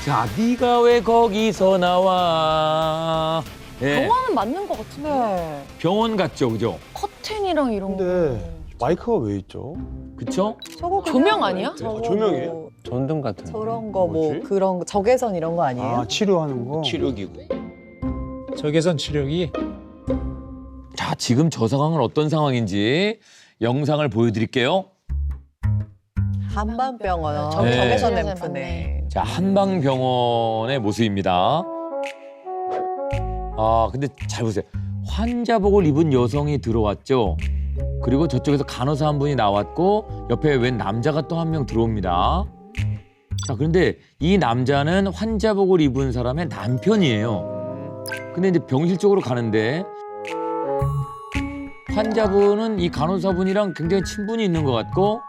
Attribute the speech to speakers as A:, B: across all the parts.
A: 자, 네가 왜 거기서 나와? 예,
B: 병원은 맞는 것 같은데.
C: 네.
A: 병원 같죠, 그죠?
B: 커튼이랑 이런 거.
D: 근데 마이크가 왜 있죠?
A: 그쵸?
C: 저거 그냥
B: 조명 아니야?
C: 저거
D: 조명이에요?
C: 뭐
E: 전등 같은 거.
C: 저런 거 뭐
D: 뭐지?
C: 그런 거 적외선 이런 거 아니에요?
D: 아, 치료하는 거?
E: 치료기구.
F: 적외선 치료기.
A: 자, 지금 저 상황은 어떤 상황인지 영상을 보여드릴게요.
C: 한방병원
B: 저기
A: 네.
C: 적외선
B: 네.
C: 램프네.
A: 자, 한방병원의 모습입니다. 아, 근데 잘 보세요. 환자복을 입은 여성이 들어왔죠. 그리고 저쪽에서 간호사 한 분이 나왔고 옆에 웬 남자가 또 한 명 들어옵니다. 자, 그런데 이 남자는 환자복을 입은 사람의 남편이에요. 근데 이제 병실 쪽으로 가는데 환자분은 이 간호사분이랑 굉장히 친분이 있는 것 같고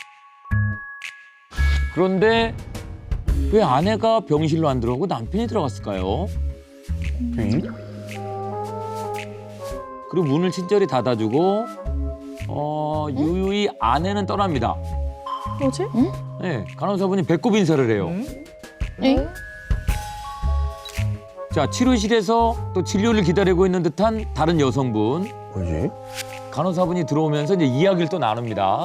A: 그런데 왜 아내가 병실로 안 들어가고 남편이 들어갔을까요? 그리고 문을 친절히 닫아주고 유유히 아내는 떠납니다.
C: 뭐지?
A: 네, 간호사분이 배꼽 인사를 해요.
B: 응?
A: 자, 치료실에서 또 진료를 기다리고 있는 듯한 다른 여성분.
D: 뭐지?
A: 간호사분이 들어오면서 이제 이야기를 또 나눕니다.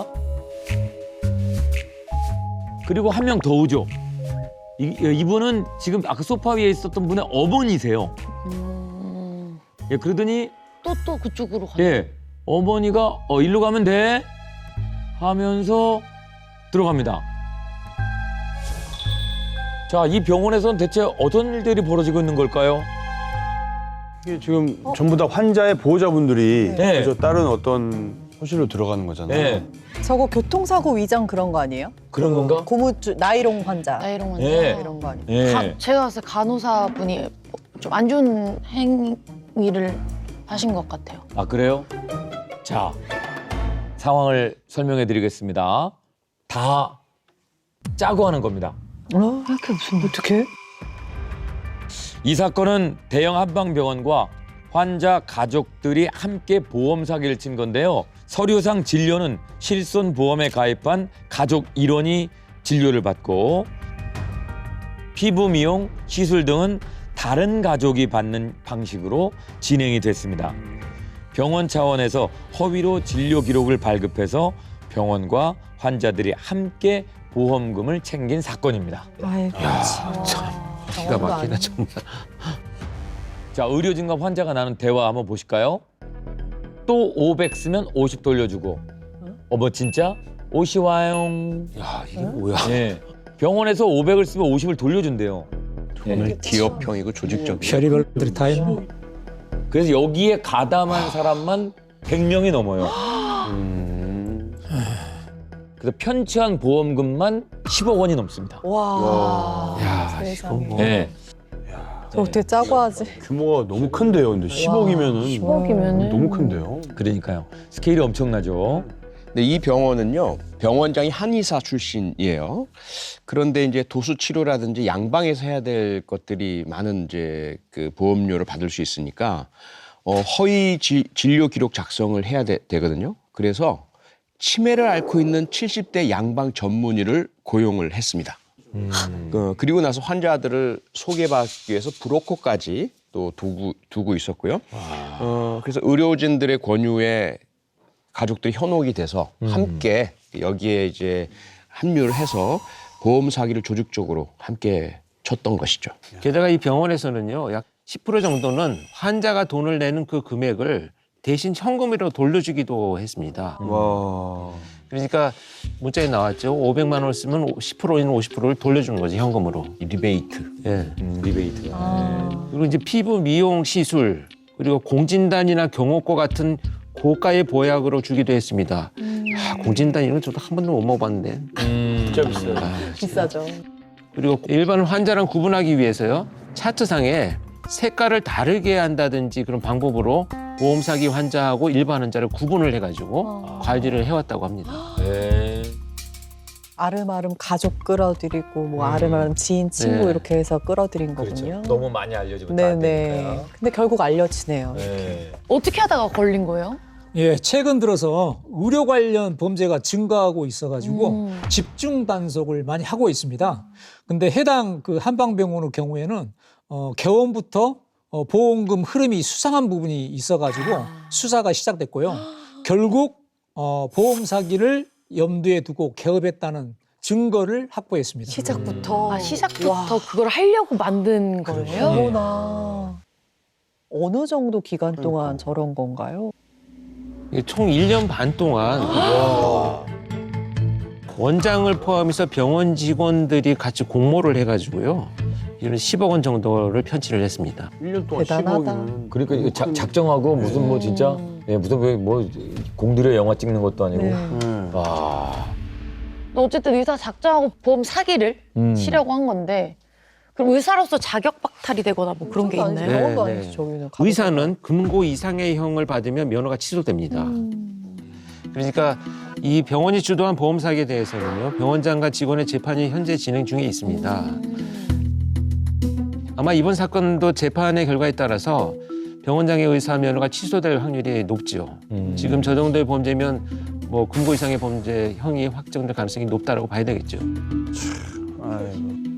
A: 그리고 한 명 더 오죠. 이분은 지금 아까 소파 위에 있었던 분의 어머니세요. 예, 그러더니
B: 또 그쪽으로 가네.
A: 예, 어머니가 일로 가면 돼 하면서 들어갑니다. 자, 이 병원에서는 대체 어떤 일들이 벌어지고 있는 걸까요?
D: 이게 지금 전부 다 환자의 보호자분들이
A: 네.
D: 그저 다른 어떤 호실로 들어가는 거잖아요.
A: 네,
C: 저거 교통사고 위장 그런 거 아니에요?
A: 그런 건가?
C: 고무줄 나이롱 환자
B: 나이롱 환자.
A: 예.
C: 이런 거 아니에요?
A: 예.
B: 제가 봤을 때 간호사분이 좀 안 좋은 행위를 하신 것 같아요.
A: 아, 그래요? 자, 상황을 설명해 드리겠습니다. 다 짜고 하는 겁니다.
C: 이렇게 무슨 어떻게?
A: 이 사건은 대형 한방병원과 환자 가족들이 함께 보험 사기를 친 건데요. 서류상 진료는 실손보험에 가입한 가족 일원이 진료를 받고 피부 미용, 시술 등은 다른 가족이 받는 방식으로 진행이 됐습니다. 병원 차원에서 허위로 진료 기록을 발급해서 병원과 환자들이 함께 보험금을 챙긴 사건입니다.
C: 아이고
E: 기가 막히다 정말.
A: 자, 의료진과 환자가 나눈 대화 한번 보실까요? 또 500 쓰면 50 돌려주고. 어머, 진짜? 50 와요.
E: 야 이게 뭐야?
A: 예. 병원에서 500을 쓰면 50을 돌려준대요.
E: 오늘 기업형이고 조직적이야.
F: 셔리벌들 타임.
A: 그래서 여기에 가담한 사람만 100명이 넘어요. 그래서 편취한 보험금만 10억 원이 넘습니다.
C: 와.
E: 야
C: 세상에.
E: 이거 뭐.
A: 예.
C: 저 어떻게 짜고 하지?
D: 규모가 너무 큰데요. 근데 10억이면은
B: 10억이면은
D: 너무 큰데요.
A: 그러니까요. 스케일이 엄청나죠.
E: 근데 이 병원은요, 병원장이 한의사 출신이에요. 그런데 이제 도수 치료라든지 양방에서 해야 될 것들이 많은 이제 그 보험료를 받을 수 있으니까 허위 진료 기록 작성을 해야 되거든요. 그래서 치매를 앓고 있는 70대 양방 전문의를 고용을 했습니다. 그리고 나서 환자들을 소개받기 위해서 브로커까지 또 두고 있었고요. 그래서 의료진들의 권유에 가족들이 현혹이 돼서 함께 여기에 이제 합류를 해서 보험 사기를 조직적으로 함께 쳤던 것이죠.
G: 게다가 이 병원에서는요, 약 10% 정도는 환자가 돈을 내는 그 금액을 대신 현금으로 돌려주기도 했습니다.
D: 와.
G: 그러니까 문자에 나왔죠. 500만 원을 쓰면 10%인 50%를 돌려주는 거지, 현금으로.
E: 이 리베이트.
G: 예.
A: 리베이트.
G: 그리고 이제 피부 미용 시술, 그리고 공진단이나 경호과 같은 고가의 보약으로 주기도 했습니다. 공진단 이런 거 저도 한 번도 못 먹어봤는데.
D: 진짜 비싸요.
C: 비싸죠.
G: 그리고 일반 환자랑 구분하기 위해서요, 차트상에 색깔을 다르게 한다든지 그런 방법으로 보험 사기 환자하고 일반 환자를 구분을 해가지고 관리를 해왔다고 합니다.
A: 네.
C: 아름아름 가족 끌어들이고 뭐 아름아름 지인 친구
G: 네.
C: 이렇게 해서 끌어들인
A: 그렇죠.
C: 거군요.
A: 너무 많이 알려지면 안
C: 네네.
A: 되니까.
C: 근데 결국 알려지네요.
A: 네.
B: 어떻게 하다가 걸린 거예요?
F: 예, 최근 들어서 의료 관련 범죄가 증가하고 있어가지고 집중 단속을 많이 하고 있습니다. 근데 해당 그 한방병원의 경우에는 개원부터 보험금 흐름이 수상한 부분이 있어가지고 수사가 시작됐고요. 결국 보험 사기를 염두에 두고 개업했다는 증거를 확보했습니다.
C: 시작부터.
B: 아, 시작부터 그걸 하려고 만든 거예요?
C: 어머나. 어느 정도 기간 동안 저런 건가요?
G: 이게 총 1년 반 동안 원장을 포함해서 병원 직원들이 같이 공모를 해가지고요. 이런 10억 원 정도를 편취를 했습니다.
D: 1년 동안
C: 대단하다.
D: 15억이면
A: 그러니까 이거 작정하고 무슨 뭐 진짜 예, 무슨 뭐 공들여 영화 찍는 것도 아니고.
C: 네.
A: 와.
B: 어쨌든 의사 작정하고 보험 사기를 치려고 한 건데 그럼 의사로서 자격 박탈이 되거나 뭐 그런 게 있나요?
G: 네,
C: 병원도
G: 네.
C: 아니죠, 저기는.
G: 의사는 금고 이상의 형을 받으면 면허가 취소됩니다. 그러니까 이 병원이 주도한 보험 사기에 대해서는요. 병원장과 직원의 재판이 현재 진행 중에 있습니다. 아마 이번 사건도 재판의 결과에 따라서 병원장의 의사 면허가 취소될 확률이 높죠. 지금 저 정도의 범죄면 뭐 금고 이상의 범죄 형이 확정될 가능성이 높다라고 봐야 되겠죠.
D: 아이고.